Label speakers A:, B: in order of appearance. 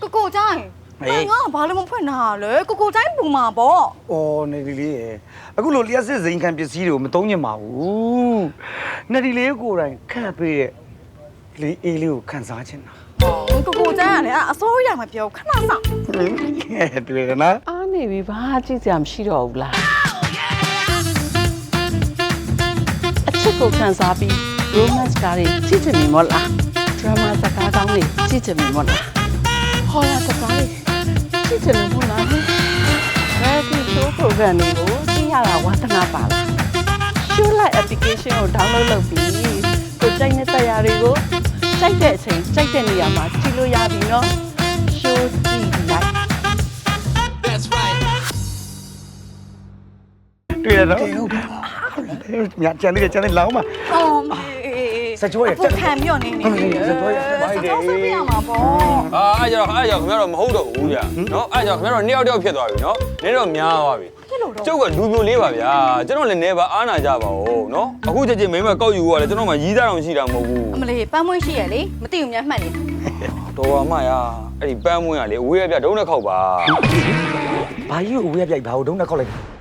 A: ကိုကျိုင်းငါဘာလို့မဖွင့်တာလဲကိုကျိုင်းပူမှာပေါ့
B: ။အော်နေဒီလေးရယ်အခုလိုလျှက်စစ်စိန်ခံပစ္စည်းတွေကိုမသုံးညင်ပါဘူး။နေဒီလေးကိုယ်တိုင်ခန့်ပေးတဲ့လေးအေးလေးကိုခန်းစားချင်တာ
A: ။ကိုကျိုင်းကလည်းအစိုးရမပြောခဏဆောင်
B: ။တွေ့ရနော်
C: အားနေပြီဘာကြည့်စရာမရှိတော့ဘူးလားအချစ်ကိုခန်းစားပြီး romance ကားတွေကြည့်ချင်ပြီမို့လား drama စကားကောင်းတွေကြည့်ချင်ပြီမို့လားဟောရစကားတွေကြည့်ချင်တယ်မို့လားဒီ show program တွေကိုကြည့်ရတာဝါသနာပါလား show live application ကို download လုပ်ပြီးကိုကြိုက်တဲ့တရားတွေကိုကြိုက်တဲ့အချိန်ကြိုက်တဲ့နေရာမှာကြည့်လို့ရပြီနော် show ကြည့်လိုက်
B: တွေ့ရနော်။မြတ်ချန်လေးလောင်းပါ
A: ။အော်
B: စချိုးရ
A: တက်ခံပြီးတော့နေစချိုးရတက်ပါရစေ။ပြရမှာပေါ့
D: ။အဲ့ကြောင့်ခင်ဗျားတော့မဟုတ်တော့ဘူးကြာ။နော်အဲ့ကြောင့်ခင်ဗျားတော့နှစ်ယောက်တယောက်ဖြစ်သွားပြီနော်။နည်းတော့များသွားပြီ။ကျုပ်ကလူပြိုလေးပါဗျာ။ကျွန်တော်လည်းနေပါအားနာကြပါဦးနော်။အခုချက်ချင်းမိမကောက်ယူရတယ်ကျွန်တော်မှရီးသားတော့ရှိတာမဟုတ်ဘူး
A: ။အမလေးပန်းမွှေးရှိရလေမသိဘူးများမှတ်နေ
D: ။တော်ပါမရ။အဲ့ဒီပန်းမွှေးကလေအဝေးရပြဒုံးနဲ့ခောက်ပါ
B: ။ဘာကြီးကိုအဝေးရပြိုက်ဘာကိုဒုံးနဲ့ခောက်လိုက်